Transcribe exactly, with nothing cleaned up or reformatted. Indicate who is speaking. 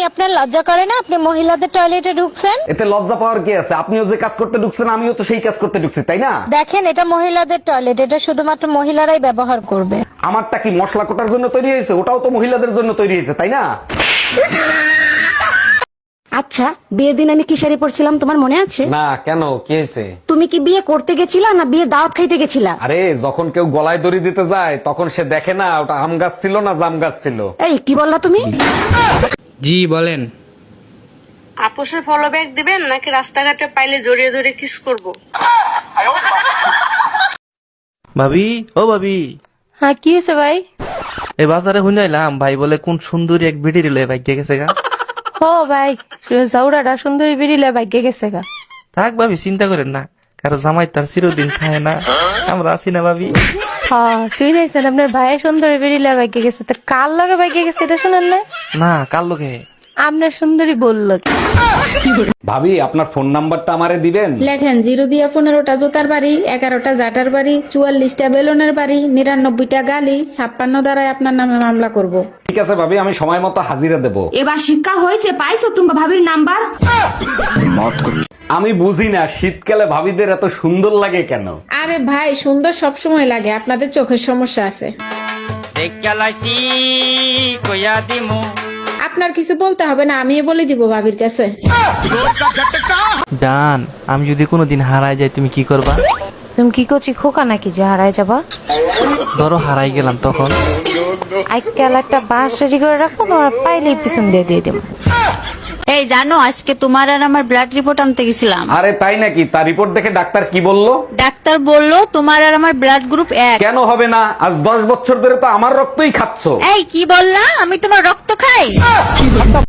Speaker 1: আপনার লজ্জা করে না আপনি মহিলাদের টয়লেটে ঢুকছেন?
Speaker 2: এতে লজ্জা পাওয়ার কি আছে? আপনিও যে কাজ করতে ঢুকছেন আমিও তো সেই কাজ করতে ঢুকছি, তাই না?
Speaker 1: দেখেন, এটা মহিলাদের টয়লেট, এটা শুধুমাত্র মহিলারাই ব্যবহার করবে।
Speaker 2: আমারটা কি মশলা কোটার জন্য তৈরি হয়েছে? ওটাও তো মহিলাদের জন্য তৈরি হয়েছে, তাই না?
Speaker 3: আচ্ছা, বিয়ের দিন আমি কি শাড়ি পরছিলাম তোমার মনে আছে?
Speaker 2: না, কেন, কি হয়েছে?
Speaker 3: তুমি কি বিয়ে করতে গেছিলা না বিয়ের দাওয়াত খাইতে গেছিলা?
Speaker 2: আরে যখন কেউ গলায় দড়ি দিতে যায় তখন সে দেখে না ওটা আম গাছ ছিল না জাম গাছ ছিল।
Speaker 3: এই কি বললা তুমি?
Speaker 4: জি বলেন।
Speaker 5: আপোষে ফলো ব্যাগ দিবেন নাকি রাস্তাঘাটে পাইলে জড়িয়ে ধরে কিস করব?
Speaker 6: ভাবি, ও ভাবি,
Speaker 1: হ্যাঁ, কি হয়েছে ভাই?
Speaker 6: এই বাজারে শুনাইলাম ভাই বলে কোন সুন্দরী এক ভিডি রিলে ভাই গেছে গা।
Speaker 1: ও ভাই, জাউরাটা সুন্দরী বেরিলে ভাগ্যে গেছে গা।
Speaker 6: থাক ভাবি, চিন্তা করেন না, কারো জামাই তার চিরদিন থাকে না, আমরা আছি না ভাবি।
Speaker 1: হ্যাঁ, শুনেছেন আপনার ভাই সুন্দরী বেরিলে ভাগ্যে গেছে, তা কার লগে ভাগ্যে গেছে এটা শুনেন না?
Speaker 6: না, কার লোকে?
Speaker 1: আপনার সুন্দরী বললো কি?
Speaker 2: ভাবি, আপনার ফোন নাম্বারটা আমারে দিবেন?
Speaker 7: লেখেন জিরো দিয়া পনেরোটা জোতার বাড়ি, এগারোটা জাটার বাড়ি, চুয়াল্লিশটা বেলুনের বাড়ি, নিরানব্বইটা গালি, ছাপ্পান্ন দ্বারাই আপনার নামে মামলা করব।
Speaker 2: ঠিক আছে ভাবি, আমি সময় মতো হাজিরা দেব।
Speaker 3: এবার শিক্ষা হয়েছে, পাইছো তুমি ভাবির নাম্বার?
Speaker 2: আমি বুঝি না শীতকালে ভাবিদের এত সুন্দর লাগে কেন?
Speaker 7: আরে ভাই, সুন্দর সবসময় লাগে, আপনাদের চোখের সমস্যা আছে। আপনার কিছু বলতে হবে না, আমি বলে দিব ভাবির কাছে।
Speaker 6: জান, আমি যদি কোনোদিন হারাই যাই তুমি কি করবা?
Speaker 1: তুমি কি করছি, খোকা নাকি যে হারাই যাবা?
Speaker 6: ধরো হারাই গেলাম তখন?
Speaker 1: আজকাল একটা বাস রেডি করে রাখবো, তোমার পাইলেই পিছন দিয়ে দিয়ে দেবো।
Speaker 5: এই জানো, আজকে তোমার আর আমার ব্লাড রিপোর্ট আনতে গেছিলাম।
Speaker 2: আরে তাই নাকি? তার রিপোর্ট দেখে ডাক্তার কি বললো?
Speaker 5: ডাক্তার বললো তোমার আর আমার ব্লাড গ্রুপ এক।
Speaker 2: কেন হবে না? আজ দশ বছর ধরে তো আমার রক্তই খাচ্ছো।
Speaker 5: এই কি বললা? আমি তোমার রক্ত খাই?